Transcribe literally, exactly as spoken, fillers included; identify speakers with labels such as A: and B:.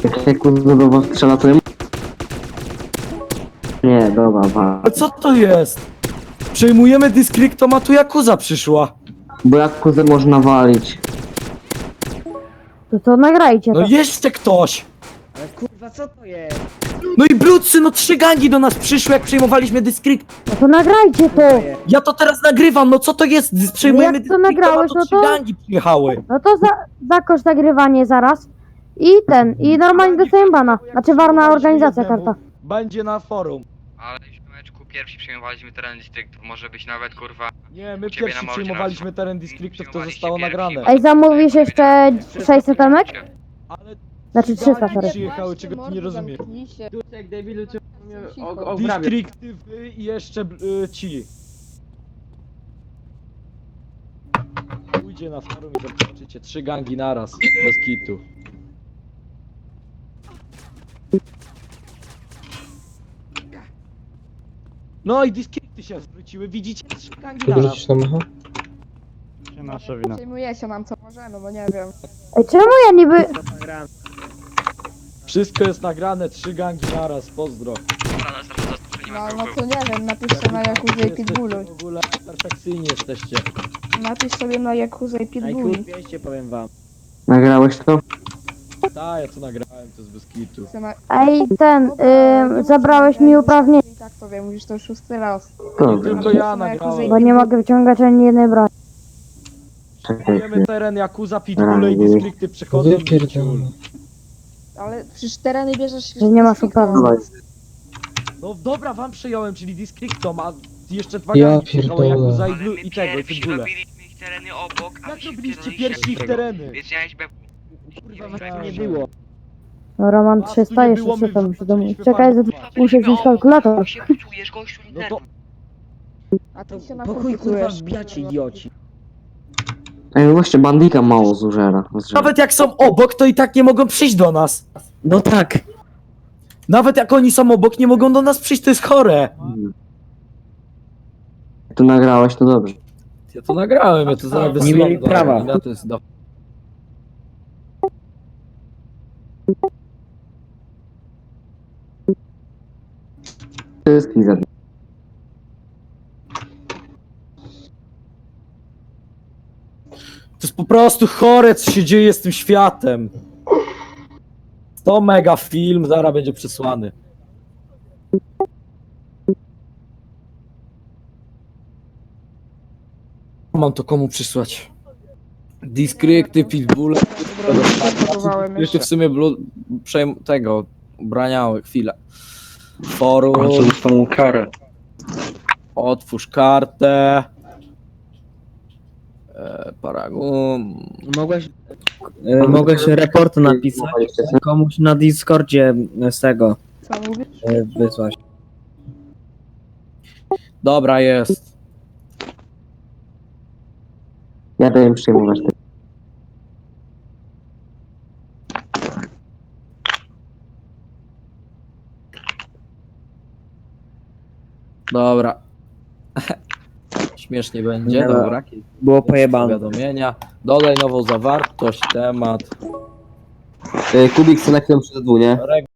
A: Jak Jakuza do was strzela, to... Nie, dobra, wa.
B: A co to jest? Przejmujemy Discryptom, a tu Yakuza przyszła.
A: Bo Jakuzę można walić.
C: To to nagrajcie to.
B: No jeszcze ktoś!
D: Ale kurwa, co to jest?
B: No i brudsy, no trzy gangi do nas przyszły, jak przejmowaliśmy Discrypt.
C: No to nagrajcie to.
B: Ja to teraz nagrywam, no co to jest? Dys- Przejmujemy
C: jak to
B: Discryptom, a
C: nagrałeś,
B: to
C: no
B: trzy
C: to-
B: gangi przyjechały.
C: No to za, zakończ nagrywanie zaraz. I ten, i normalnie dostajemy bana. Znaczy warna organizacja karta.
B: Będzie na forum.
E: Ale w meczku pierwsi przejmowaliśmy teren distryktu, może być nawet kurwa.
B: Nie, my
E: Ciebie
B: pierwsi
E: na mordzie
B: przejmowaliśmy teren Discryptów, to
E: Przejmowaliście
B: zostało
E: pierwsi.
B: nagrane.
C: Ej, zamówisz jeszcze sześćset emek?
B: Ale
C: Znaczy trzysta, sorry.
B: przyjechały, czego ty nie rozumiesz.
D: Jak debilu, czy mnie obrabiać?
B: Distrykty wy i jeszcze y, ci. Pójdzie na forum i zobaczycie trzy gangi naraz, bez kitu. No i distrykty się zwróciły, widzicie? Trzy gangi naraz.
F: Wrócić na mecha?
G: Nasza wina.
H: Przejmujecie nam co możemy, bo nie wiem.
C: Ej, czemu ja niby...
B: Wszystko jest nagrane, trzy gangi naraz, pozdro.
E: Dobra, następny zastąpienie
H: No,
E: ma
H: no
E: był.
H: to nie wiem, napiszcie na Yakuza i
B: Jesteście
H: Pitbullu.
B: w ogóle perfekcyjni jesteście.
H: Napisz sobie na Yakuza i Pitbullu.
D: Najkul dwieście powiem wam.
A: Nagrałeś to?
B: Tak, ja co nagrałem, to jest bez kitu.
H: Chcę na-
C: Ej, ten,
H: Dobra, ale nie
C: y, zabrałeś
H: mów,
C: mi
H: że-
C: uprawnienie,
H: I tak to wiem, mówisz to już szósty raz.
A: Dobra,
B: Tylko ja nagrałem.
C: bo nie mogę wyciągać ani jednej broni.
A: czekaj.
B: Wiemy teren Yakuza, Pitbulle i Districty przechodzą.
F: Wypierdolone.
H: Ale przecież tereny bierzesz...
C: Że nie masz uprawnień.
A: Dawaj.
B: No dobra, wam przejąłem, czyli Districtom, a jeszcze dwa
F: Ja
B: gangi przyjechały,
F: pierdolę.
B: Yakuza i,
E: Ale
B: Blue,
E: my
B: i tego, i
E: pierwsi
B: Pitbulle.
E: robiliśmy ich tereny obok, a
B: Jak
E: wy się
B: robiliście
E: wpierdoliliście
B: pierwsi ich
E: do tego.
B: tereny?
E: Więc miałeś be...
D: Kurwa, was tu nie było.
C: No Roman
B: Was tu
C: trzysta,
B: nie
C: jeszcze
B: było, my
C: trzysta muszę
B: zaczęliśmy
C: domówić. Czekaj,
B: farmę.
C: za- muszę wziąć kalkulator.
E: Jak się poczujesz, gościu,
B: No to...
H: A ty się
D: Po
H: na
D: chuj kurwa
H: komputujesz.
D: wbijacie, idioci.
A: Ej, no właśnie, bandika mało zużera. zżera.
B: Nawet jak są obok, to i tak nie mogą przyjść do nas.
D: No tak.
B: Nawet jak oni są obok, nie mogą do nas przyjść, to jest chore.
A: Hmm. Jak to nagrałeś, to dobrze.
B: Ja to nagrałem, ja to zaraz
D: Nie
B: wysyłam
D: mieli
B: do-
D: prawa.
B: Ja to jest do...
A: To jest Kizer.
B: To jest po prostu chore, co się dzieje z tym światem. To mega film, zaraz będzie przesłany. Mam to komu przysłać? Diskrypty, pitbulle.
H: Próbowałem
B: Jeszcze w sumie blu... przejm... tego ubraniały chwilę. Forum.
G: dostaną karę.
B: Otwórz kartę. E, Paragon.
D: Mogłeś, e, mogłeś report napisać komuś na Discordzie z tego
H: Co mówisz?
D: e, wysłać.
B: Dobra, jest.
A: Ja daję przyjmować te.
B: Dobra. Śmiesznie będzie,
D: Dobra.
B: dobra.
D: Było pojebane.
B: Powiadomienia. Dodaj nową zawartość, temat.
A: Kubik selekcją przez dwu, nie?